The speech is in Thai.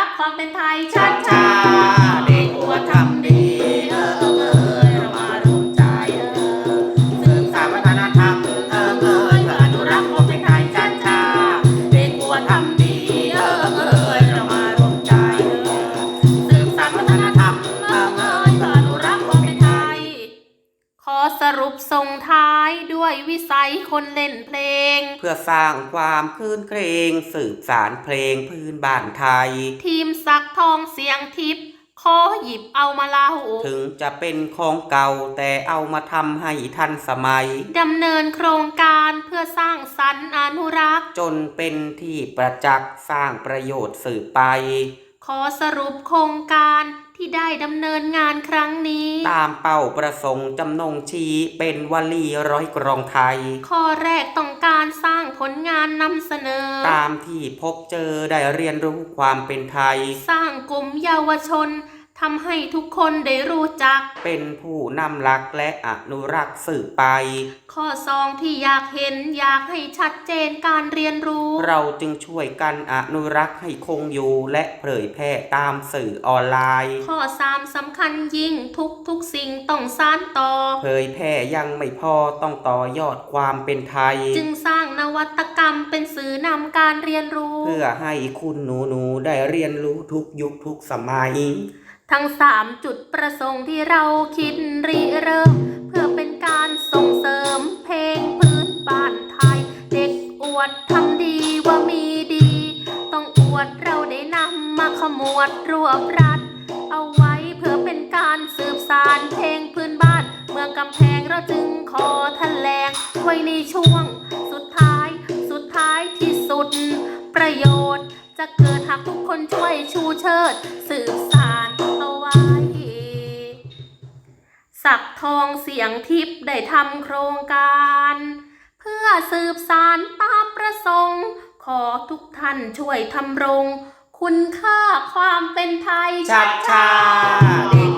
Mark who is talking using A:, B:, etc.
A: ความเป็นไทยชัดชา
B: เด็กอวดทำดีเรามารวมใจสืบสานวัฒนธรรมเพื่ออนุรักษ์ความเป็นไทยชัดชาเด็กอวดทำดีเรามารวมใจสืบสานวัฒนธรรมเพื่ออนุรักษ์ความเป็นไทย
A: ขอสรุปส่งท้ายด้วยวิสัยคนเล่นเพลง
B: เพื่อสร้างความคลื่นเครงสืบสานเพลงพื้นบ้านไทย
A: ทีมศักดิ์ทองเสียงทิพย์ขอหยิบเอามาเล่า
B: ถึงจะเป็นของเก่าแต่เอามาทำให้ทันสมัย
A: ดำเนินโครงการเพื่อสร้างสรรค์อนุรักษ์
B: จนเป็นที่ประจักษ์สร้างประโยชน์สืบไป
A: ขอสรุปโครงการที่ได้ดำเนินงานครั้งนี้
B: ตามเป้าประสงค์จำนงชี้เป็นวลีร้อยกรองไทย
A: ข้อแรกต้องการสร้างผลงานนำเสนอ
B: ตามที่พบเจอได้เรียนรู้ความเป็นไทย
A: สร้างกลุ่มเยาวชนทำให้ทุกคนได้รู้จัก
B: เป็นผู้นำหลักและอนุรักษ์สืบไป
A: ข้อสองที่อยากเห็นอยากให้ชัดเจนการเรียนรู้
B: เราจึงช่วยกันอนุรักษ์ให้คงอยู่และเผยแพร่ตามสื่อออนไลน์
A: ข้อสามสำคัญยิ่งทุกสิ่งต้องสานต่อ
B: เผยแพร่ยังไม่พอต้องต่อยอดความเป็นไทย
A: จึงสร้างนวัตกรรมเป็นสื่อนำการเรียนรู้
B: เพื่อให้คุณหนูได้เรียนรู้ทุกยุคทุกสมัย
A: ทั้ง3จุดประสงค์ที่เราคิดริเริ่มเพื่อเป็นการส่งเสริมเพลงพื้นบ้านไทยเด็กอวดทำดีว่ามีดีต้องอวดเราได้นำมาขมวดรวบรัดเอาไว้เพื่อเป็นการสืบสานเพลงพื้นบ้านเมืองกำแพงเราจึงขอแถลงไว้ในช่วงสุดท้ายที่สุดประโยชน์จะเกิดหากทุกคนช่วยชูเชิดสืบสานเอาไว้ศักดิ์ทองเสียงทิพย์ได้ทำโครงการเพื่อสืบสานตามประสงค์ขอทุกท่านช่วยทำรงคุณค่าความเป็นไทย
B: ชัดชา